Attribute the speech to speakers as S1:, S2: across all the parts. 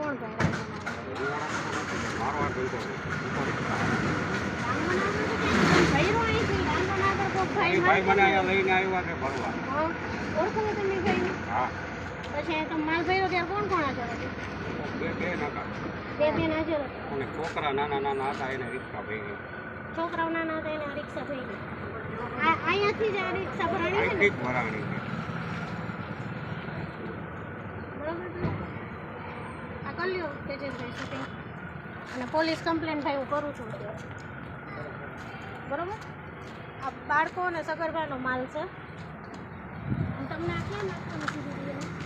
S1: કોણ ભાઈ?
S2: ભાઈ મને અહીંયા લઈને આવ્યા છે ફરવા.
S1: ઓળખો તમે ભાઈ?
S2: હા.
S1: પછી તમે માલ ભર્યો ત્યારે કોણ કોણ હાજર હતું?
S2: બે નકા.
S1: બે હાજર હતા.
S2: અને છોકરા નાના હતા એને રિક્ષા ભરી ગઈ.
S1: છોકરાઓ નાના હતા એને રિક્ષા ભરી ગઈ. અહીંયાથી જ આ રિક્ષા ભરાણી છે ને?
S2: ભરાણી છે.
S1: બરોબર. આ કરી લ્યો તેજસભાઈ શૂટિંગ. અને પોલીસ કમ્પ્લેન ભાઈ હું કરું છું. બરોબર. આ બાળકો અને સગર્ભાનો માલ છે. તમને આ ક્યાં નાખવાનું કીધું?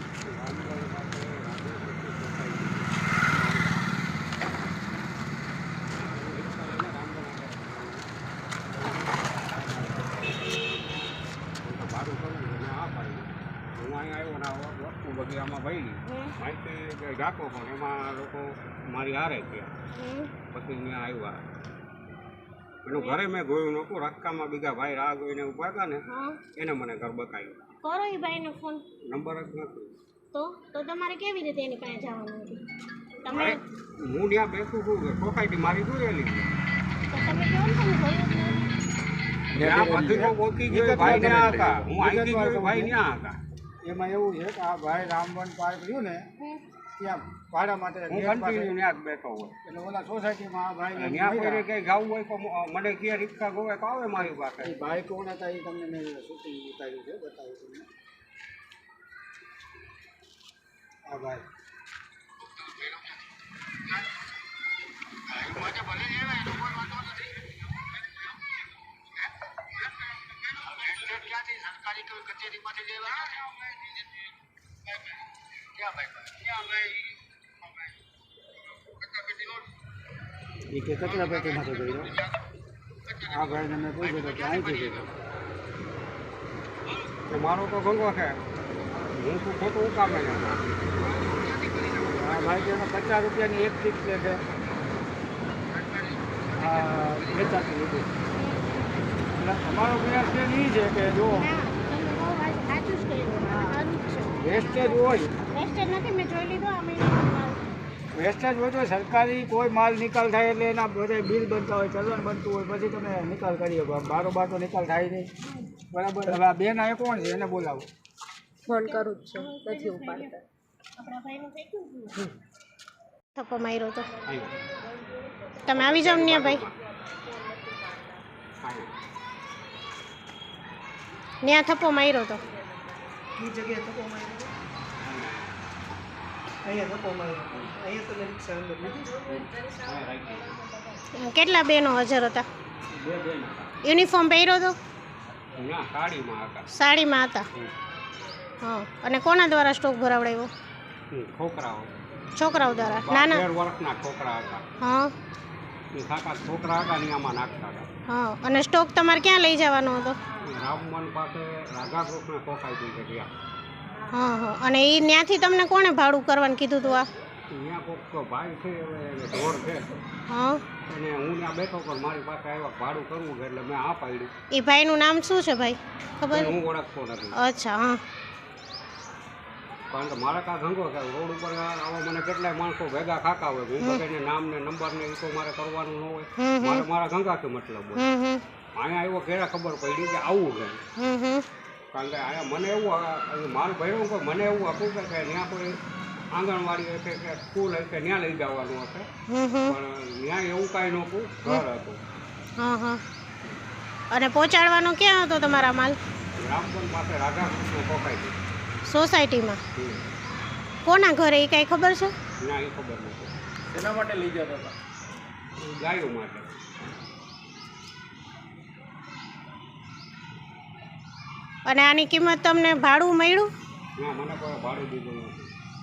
S2: બગીચામાં ભરી માહિતી રાખો પણ એમાં લોકો મારી હારે ગયા. પછી ત્યાં આવ્યા એનું ઘરે મેં ગોયું નહોતું. રસ્તામાં બીજા ભાઈ રાહ જોઈને ઉભા હતા ને એને મને ઘર બતાવ્યું.
S1: કરો એ ભાઈને ફોન.
S2: નંબર જ નથી.
S1: તો તમારે કેવી રીતે એની પાસે જવાનું હતું? તમે
S2: હું ત્યાં બેઠું છું સોસાયટી મારી જોયેલી છે.
S1: તો તમે કેવો છો જોયું જ નથી?
S2: ત્યાં બધી ઓળખી ગયો ભાઈ ત્યાં હતા. હું અહીંથી ગયો ભાઈ ત્યાં હતા.
S3: એમાં એવું છે કે આ ભાઈ રામવન પાર્ક રહ્યું ને ત્યાં ભાડા માટે
S2: હું કન્ટિન્યુ ત્યાં જ બેઠો હોય.
S3: એટલે ઓલા સોસાયટીમાં આ ભાઈ
S2: ત્યાં કોઈને કંઈ જવું હોય તો મને ક્યાં રિક્ષા ગોવે તો આવે મારી પાસે.
S3: એ ભાઈ કોણ હતા એ તમને મેં શૂટિંગ ઉતાર્યું છે, બતાવ્યું તમને. આ ભાઈ એ કે કચરા પેટીમાંથી ગયો. આ ભાઈને મેં પૂછ્યું કે અહીંથી ગયો.
S2: મારો તો ગંગો છે. હું શું ખોટું ઉકામે ને
S3: આ ભાઈ કે 50 રૂપિયાની એક ટીક લે છે. આ વેચાતી લીધી. એટલે અમારો પ્રયાસ એ છે કે જો વેસ્ટેજ હોય,
S1: વેસ્ટેજ નથી, મેં જોઈ લીધો. અમે
S3: વેસ્ટેજ હોય તો સરકારી કોઈ માલ નિકાલ થાય એટલે એના બધા બિલ બનતા હોય, ચલણ બનતું હોય, પછી તમે નિકાલ કરી શકો. બારોબાર તો નિકાલ થાય નહીં. બરાબર. હવે આ બેન આ કોણ છે એને બોલાવો.
S1: ફોન કરું જ છું, નથી ઉપાડતા. આપણા ભાઈનું થઈ ગયું. થપ્પો માર્યો તો તમે આવી જાવ ને ભાઈ. ત્યાં થપ્પો માર્યો તો
S3: એ જગ્યાએ થપ્પો માર્યો. અહીંયા થપ્પો માર્યો. અહીંયા તો રિક્ષા અંદર લીધી.
S1: કેટલા બેનો હાજર હતા?
S2: બે બેન
S1: યુનિફોર્મ પહેર્યો તો?
S2: ના, સાડીમાં હતા.
S1: સાડીમાં હતા. હા. અને કોના દ્વારા સ્ટોક ભરાવડાવ્યો?
S2: છોકરાઓ.
S1: છોકરાઓ દ્વારા? નાના
S2: 12 વર્ષના છોકરા હતા.
S1: હા.
S2: એ કાકા છોકરા હતા ને આમાં નાખતા હતા.
S1: હા. અને સ્ટોક તમારે ક્યાં લઈ જવાનો હતો?
S2: રામવન પાસે રાધાકૃષ્ણ સોસાયટી છે ત્યાં.
S1: હા હા. અને એ ત્યાંથી તમને કોણે ભાડું કરવાનું કીધું હતું? આ
S2: ત્યાં કોઈક ભાઈ છે ઢોર છે
S1: હા.
S2: અને હું ત્યાં બેઠો પણ મારી પાસે આવ્યા ભાડું કરવું છે એટલે મેં આ પાડ્યું.
S1: એ ભાઈનું નામ શું છે ભાઈ? ખબર?
S2: હું ઓળખતો નથી.
S1: અચ્છા. હા.
S2: કારણ કે મારા કાં ધંધો છે રોડ ઉપર આવા મને કેટલાય માણસો ભેગા ખાતા હોય. હું બધાને નામ ને નંબર ને એ તો મારે કરવાનું ન હોય. મારે મારા ધંધાથી મતલબ હોય. અહીંયા આવ્યો ઘેરા ખબર પડી કે આવું છે. કારણ કે અહીંયા મને એવું મારું ભર્યું કોઈ મને એવું હતું કે ત્યાં કોઈ આંગણવાડી હશે કે સ્કૂલ હશે ત્યાં લઈ જવાનું હશે. પણ ત્યાં એવું કાંઈ નહોતું, ઘર હતું.
S1: હા હા. અને પહોંચાડવાનો ક્યાં હતો તમારા માલ?
S2: રામવન પાસે રાધાકૃષ્ણ સોસાયટી.
S1: સોસાયટીમાં? કોના ઘરે એ કાંઈ ખબર છે?
S2: ના, એ ખબર નથી.
S3: એના માટે લઈ જતા હતા?
S2: ગાયો માટે.
S1: અને આની કિંમત તમને ભાડું મળ્યું?
S2: ના, મને કોઈ ભાડું દીધું નથી.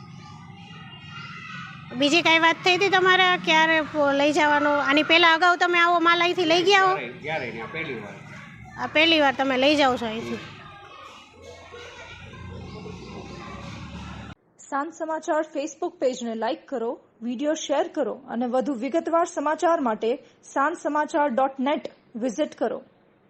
S1: બીજી કાંઈ વાત થઈ હતી તમારે ક્યારે લઈ જવાનો? આની પહેલાં અગાઉ તમે આવો માલ અહીંથી લઈ ગયા હો?
S2: ક્યારે ત્યાં પહેલી વાર.
S1: આ પહેલી વાર તમે લઈ જાઓ છો અહીંથી?
S4: સાંજ સમાચાર ફેસબુક પેજને લાઇક કરો, વિડીયો શેર કરો અને વધુ વિગતવાર સમાચાર માટે sanssamachar.net વિઝિટ કરો.